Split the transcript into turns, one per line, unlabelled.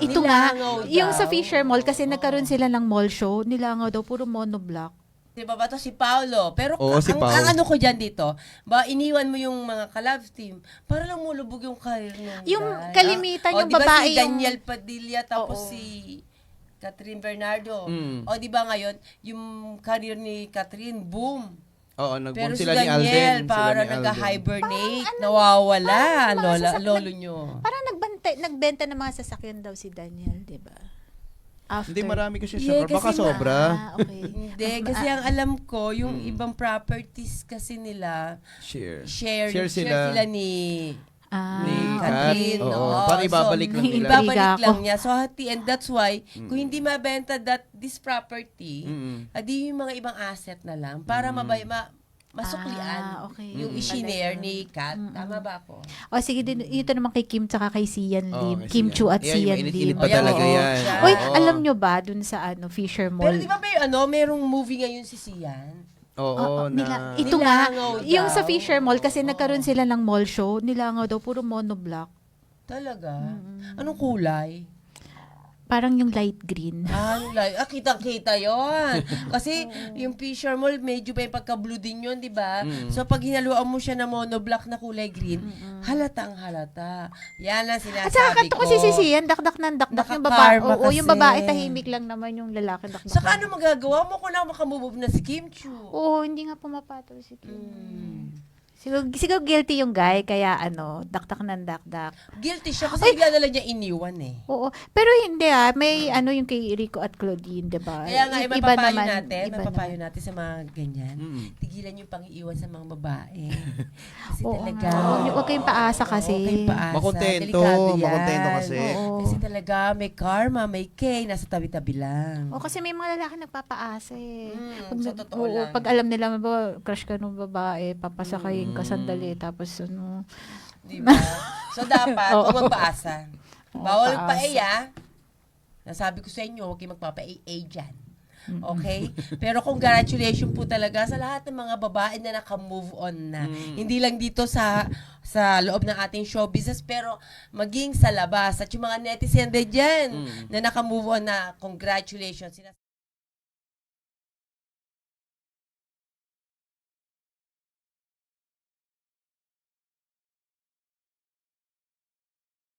Ito nga,
Nilangaw
yung sa
daw.
Fisher Mall, kasi nagkaroon sila ng mall show, nilangaw daw, puro monoblock.
Di ba to si Paolo? Pero
Oo, si Pao.
ang ano ko dyan dito, iniwan mo yung mga ka-love team para lang mulubog yung career nung
Yung
guy.
kalimitan, yung
diba
babae
si
yung...
Daniel Padilla tapos
Oo.
si Catherine Bernardo.
Mm.
O di ba ngayon, yung career ni Catherine, boom.
Oo,
Pero
nag-boom
si
sila ni Alden.
Daniel,
Sila
para
ni Alden.
nag-hibernate, nawawala,
parang mga
lolo nyo.
Parang nagbenta ng mga sasakyan daw si Daniel, di ba? After.
Hindi, marami kasi
Yeah,
siya. Baka
kasi
sobra.
Okay.
Hindi, kasi ang alam ko, yung ibang properties kasi nila, share
sila.
ni
Ni
Catherine.
Kat. Oo,
Oo.
para ibabalik lang nila.
Ibabalik
Ibabalik lang
ako.
niya. So, and that's why, kung hindi mabenta this property, adi yung mga ibang asset na lang para masuklian
okay.
yung isinare ni Kat. Tama ba ako?
O sige, ito naman kay Kim tsaka kay Sian Lim.
kay
Kim
Sian.
Chu at
Ayan,
Sian
mainit-init
Lim.
pa
Ayan,
talaga
oo,
yan.
siya.
Uy,
Oo.
alam nyo ba, dun sa Fisher Mall?
Pero di ba merong movie ngayon si Sian?
Oo, na...
Ito nga,
Nilangaw
yung sa
daw.
Fisher Mall, kasi nagkaroon sila ng mall show, nilangaw daw, puro monoblock.
Talaga? Anong kulay?
Parang yung light green.
Kitang-kita yon. Kasi yung Fisher Mall, medyo may pagka-blue din yun, di ba? So, pag hinaluan mo siya ng monoblock na kulay green, halatang halata. Yan ang
At saka
sinasabi
kanto
ko.
ko si Sian, dakdak ng dakdak yung babae.
Nakakarma
Oo, yung
kasi.
babae tahimik lang naman, yung lalaki dakdak.
Saka ano magagawa mo kung na makamove na si Kim Chu?
Oo, hindi nga pumapatol si Kim. Siguro guilty yung guy, kaya dakdak ng dakdak.
Guilty siya kasi bigla na lang niya iniwan eh.
Oo. Pero hindi may yung kay Rico at Claudine, di ba?
Kaya nga,
Iba
mapapayo
naman,
natin,
iba
mapapayo
naman.
natin sa mga ganyan. Tigilan yung pang-iiwan sa mga babae. Kasi
Oo
talaga.
nga. Huwag kayong paasa kasi.
Huwag kayong paasa.
Makontento,
Delikado yan.
makontento kasi.
Oo.
Kasi talaga, may karma, may K, nasa tabi-tabi lang.
O kasi may mga lalaki nagpapaasa eh.
sa totoo lang.
Pag alam nila, crush ka ng babae, papasakayin ka sandali, tapos
Diba? So, dapat,
Oo.
huwag magpaasa.
Oo,
Bawal
paasa.
magpa-A, Nasabi ko sa inyo, huwag kayong magpapa-A dyan. Okay? Pero congratulations po talaga sa lahat ng mga babae na naka-move on na. Hindi lang dito sa loob ng ating show business, pero maging sa labas. At yung mga netizen din dyan na naka-move on na, congratulations.